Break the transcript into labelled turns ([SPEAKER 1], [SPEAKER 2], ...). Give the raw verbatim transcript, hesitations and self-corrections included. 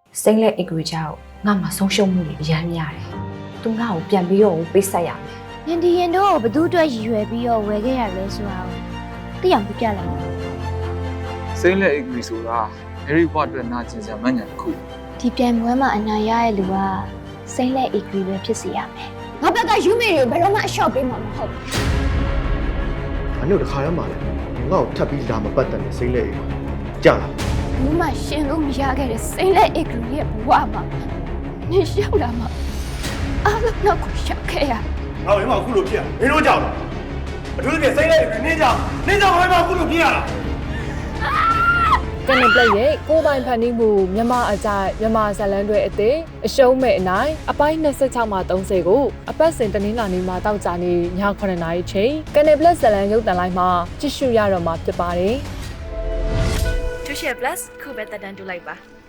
[SPEAKER 1] စိမ့်လက်အီဂရီချာကိုငါမှဆုံးရှုံးမှုတွေအများကြီးရတယ်သူငါ့ကိုပြန်ပြီးတော့ပေးဆက်ရမယ်
[SPEAKER 2] ။ရင်ဒီရင်တို့ကိုဘသူ့အတွက်ရည်ရွယ်ပြီးတော့ဝယ်ခဲ့ရလဲဆိုတာကိုသိအောင်ပြပြလိုက်မယ်
[SPEAKER 3] စိမ့်လက်အီဂရီဆိုတာအဲရီဘွားအတွက်နာကျင်စရာမှန်ညာတစ်ခု
[SPEAKER 2] ။ဒီပြန်ပွဲမှာအနိုင်ရတဲ့လူကစိမ့်လက်အီဂရီပဲဖြစ်စီရမယ်
[SPEAKER 4] ငါဘက်ကယူမေတွေကိုဘယ်တော့မှအလျှော့ပေးမှာမဟုတ်ဘူး
[SPEAKER 5] ။အနုတခါရမှာလေငါ့ကိုထပ်ပြီးလာမပတ်တယ်စိမ့်လေကြာလာ
[SPEAKER 4] ။ဘူးမှရှင်လို့မရခဲ့တဲ့စိမ့်လက်အီဂရီရဲ့ဘဝမှာနေရောက်လာမှာအားလုံးတော့ကိုရှောက်ခဲ့ရ
[SPEAKER 6] ငါ့ဘယ်မှာအခုလိုဖြစ်ရမင်းတို့ကြောင့်လားအထူးသဖြင့်စိတ်လိုက်နင်းကြောင့်နင်းကြောင့်ဘယ်မှာအခုလိုဖြစ်ရလား
[SPEAKER 7] ကနေပလက်ရဲ့ကိုယ်ပိုင်ဖန်တီးမှုမြန်မာအကြိုက်မြန်မာဇလန်တွေအသေးအရှုံးမဲ့အနိုင်အပိုင်း၂၆မှ၃၀ကိုအပတ်စဉ်တနင်္လာနေ့မှာတောက်ကြနေညခုနှစ်နာရီချိန်ကနေပလက်ဇလန်ရုပ်သံလိုင်းမှာကြည့်ရှုရတော့မှာဖြစ်ပါတယ်
[SPEAKER 8] Tushare Plus ခုပဲတက်တန်းတူလိုက်ပါ